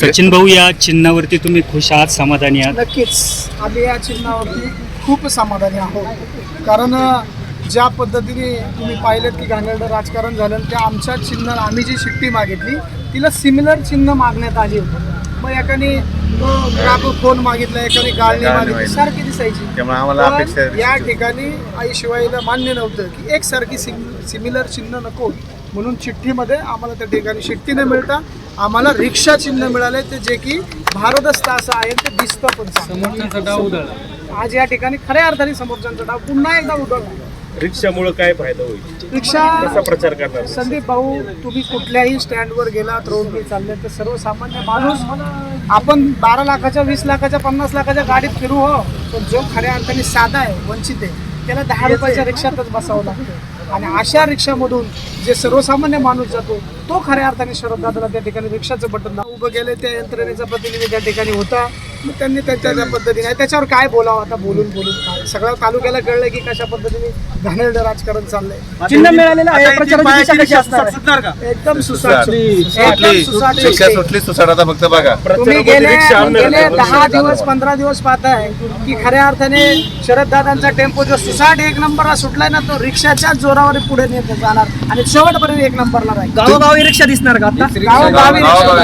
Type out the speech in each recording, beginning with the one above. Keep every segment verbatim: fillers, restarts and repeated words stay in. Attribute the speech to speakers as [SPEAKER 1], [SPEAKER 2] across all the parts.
[SPEAKER 1] सचिन भाऊ, या चिन्हावरती तुम्ही खुश आहात, समाधानी आहात?
[SPEAKER 2] नक्कीच आम्ही या चिन्हावरती खूप समाधानी आहोत. कारण ज्या पद्धतीने तुम्ही पाहिलं की घाणेरडं राजकारण झालं, त्या आमच्या चिन्ह आम्ही जी शिट्टी मागितली तिला सिमिलर चिन्ह मागण्यात आली होती. मग एकाने ग्राफ फोन मागितला, एकाने गाळणी मागितली, सारखी दिसायची.
[SPEAKER 3] त्यामुळे आम्हाला अपेक्षा आहे
[SPEAKER 2] या ठिकाणी आई शिवायला मान्य नव्हतं की एकसारखी सिमिलर चिन्ह नको, म्हणून चिठ्ठीमध्ये आम्हाला त्या ठिकाणी शिट्टी न मिळता आम्हाला रिक्षा चिन्ह मिळाले, ते जे की भारदस्त असं आहे, ते दिसतं पण समोरचा डाव उधळला. आज या ठिकाणी खऱ्या अर्थाने समोरच्यांचा डाव पुन्हा एकदा उधळला.
[SPEAKER 4] रिक्षामुळे काय फायदा होईल?
[SPEAKER 2] रिक्षा
[SPEAKER 4] कसा प्रचार करणार?
[SPEAKER 2] संदीप भाऊ, तुम्ही कुठल्याही स्टँडवर गेलात, रोडने चालले तर सर्वसामान्य माणूस, आपण बारा लाखाच्या वीस लाखाच्या पन्नास लाखाच्या गाडीत फिरू हो, पण जो खऱ्या अर्थाने साधा आहे, वंचित आहे, त्याला दहा रुपयाच्या रिक्षातच बसावं लागतं. आणि अशा रिक्षामधून जे सर्वसामान्य माणूस जातो, तो खऱ्या अर्थाने शरद दादाला त्या ठिकाणी रिक्षाचं बटन उभं केलं. त्या यंत्रणेचा प्रतिनिधी त्या ठिकाणी होता, मग त्यांनी त्यांच्या त्या पद्धतीने, त्याच्यावर काय बोलावं आता, बोलून बोलून काय सगळ्या तालुक्याला कळलं की कशा पद्धतीने घाणेरडं राजकारण चाललंय. चिन्ह मिळालेलं आहे, प्रचाराची दिशा कशी असणार आहे? एकदम सुसाट, एकदम सुसाट.
[SPEAKER 3] शिक्षा सुटली, सुसाट आता फक्त बघा.
[SPEAKER 2] तुम्ही गेले गेले दहा दिवस पंधरा दिवस पाहताय की खऱ्या अर्थाने शरद दादांचा टेम्पो जो सुसाट एक नंबरला सुटलाय ना, तो रिक्षाच्या जोरावर पुढे नेत जाणार आणि शेवटपर्यंत एक नंबरला राहील.
[SPEAKER 5] गावोगावी रिक्षा दिसणार का आता?
[SPEAKER 2] गावोगावी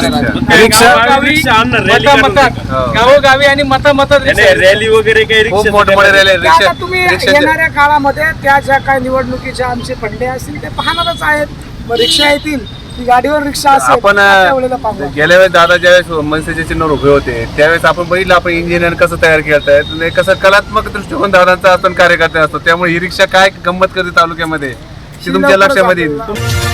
[SPEAKER 5] गावोगावी आणि मता मत
[SPEAKER 4] रॅली वगैरे काही
[SPEAKER 3] खूप
[SPEAKER 4] रिक्षा
[SPEAKER 3] मोठे मोठे रॅली
[SPEAKER 2] ते आता तुम्ही येणाऱ्या काळामध्ये त्या ज्या काही निवडणुकीच्या आमचे फंडे असतील ते पाहणारच आहेत. मग रिक्षा येतील, ती गाडीवर रिक्षा असेल,
[SPEAKER 3] आपण
[SPEAKER 2] त्यावेळेला पाहू.
[SPEAKER 3] गेल्या वेळेस दादा ज्यावेळेस मनसेच्या चिन्हावर उभे होते, त्यावेळेस आपण बघितलं आपण इंजिनियर कसं तयार करतायत, कसं कलात्मक दृष्टिकोन दादांचा असतो, कार्यकर्ते असतो. त्यामुळे ही रिक्षा काय गंमत करते तालुक्यामध्ये, ती तुमच्या लक्षामध्ये येईल.